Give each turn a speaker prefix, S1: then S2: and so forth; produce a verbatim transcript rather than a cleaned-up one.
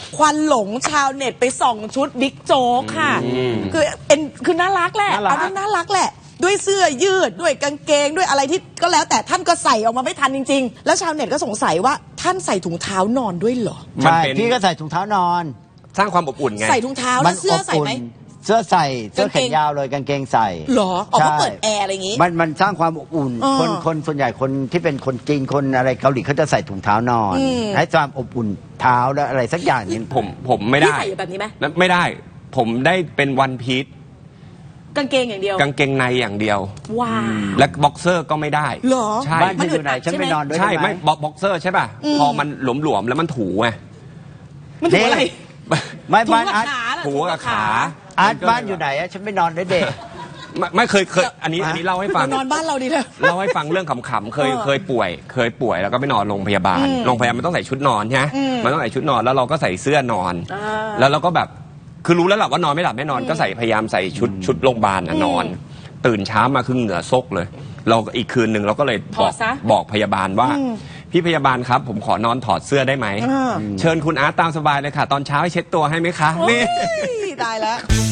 S1: ควันหลงชาวเน็ตไปส่องชุดบิ๊กโจ๊กค่ะคือเอ็นคือน่ารักแหละอันนั้นน่ารักแหละด้วยเสื้อยืดด้วยกางเกงด้วยอะไรที่ก็แล้วแต่ท่านก็ใส่ออกมาไม่ทันจริงๆแล้วชาวเน็ตก็สงสัยว่าท่านใส่ถุงเท้านอนด้วยเหรอ
S2: ใช่พี่ก็ใส่ถุงเท้านอน
S3: สร้างความอบอุ่นไง
S1: ใส่ถุงเท้าแล้วเสื้อใส่ไหม
S2: เสื้อใส่เสื้อแขนยาวเลยกางเกงใส่
S1: หรออ๋อเขาเปิดแอร์อะไรอย่างงี้
S2: มันมันสร้างความอบอุ่นคนคนส่วนใหญ่คนที่เป็นคนจีนคนอะไรเกาหลีเขาจะใส่ถุงเท้านอนให้ความอบอุ่นเท้าแล้วอะไรสักอย่างนี้
S3: ผมผมไม่ได้
S1: ใส่แบบนี้ไหม
S3: ไม่ได้ผมได้เป็นวันพีช
S1: กางเกงอย่างเดียว
S3: กางเกงในอย่างเดียว
S1: ว้า
S3: และบ็อกเซอร์ก็ไม่ได้
S1: หรอ
S3: ใช่
S2: บ้านที่อยู่ไหนฉันไปนอนด้วย
S3: ใช่ไม่บ็อกเซอร์ใช่ป่ะพอมันหลวมๆแล้วมันถูไง
S1: มันถูอะไร
S2: ไม่บ้านอาร์ต
S3: ถูกับขา
S2: อาร์ตบ้านอยู่ไหนอะฉันไปนอนด้วยเด็ก
S3: ไม่เคยเคยอันนี้อันนี้เล่าให้ฟัง
S1: นอนบ้านเราดีเลย
S3: เล่าให้ฟังเรื่องขำๆเคยเคยป่วยเคยป่วยแล้วก็ไปนอนโรงพยาบาลโรงพยาบาลมันต้องใส่ชุดนอนใช่ไหมมันต้องใส่ชุดนอนแล้วเราก็ใส่เสื้อนอนแล้วเราก็แบบคือรู้แล้วแหละว่านอนไม่หลับไม่นอนก็ใส่พยายามใส่ชุดชุดโรงพยาบาลนอนตื่นเช้ามาคือเหงื่อซกเลยเราอีกคืนหนึ่งเราก็เลยบอกบอกพยาบาลว่าพี่พยาบาลครับผมขอนอนถอดเสื้อได้ไหมเชิญคุณอาร์ตตามสบายเลยค่ะตอนเช้าให้เช็ดตัวให้ไหมคะนี่
S1: ได้แล้ว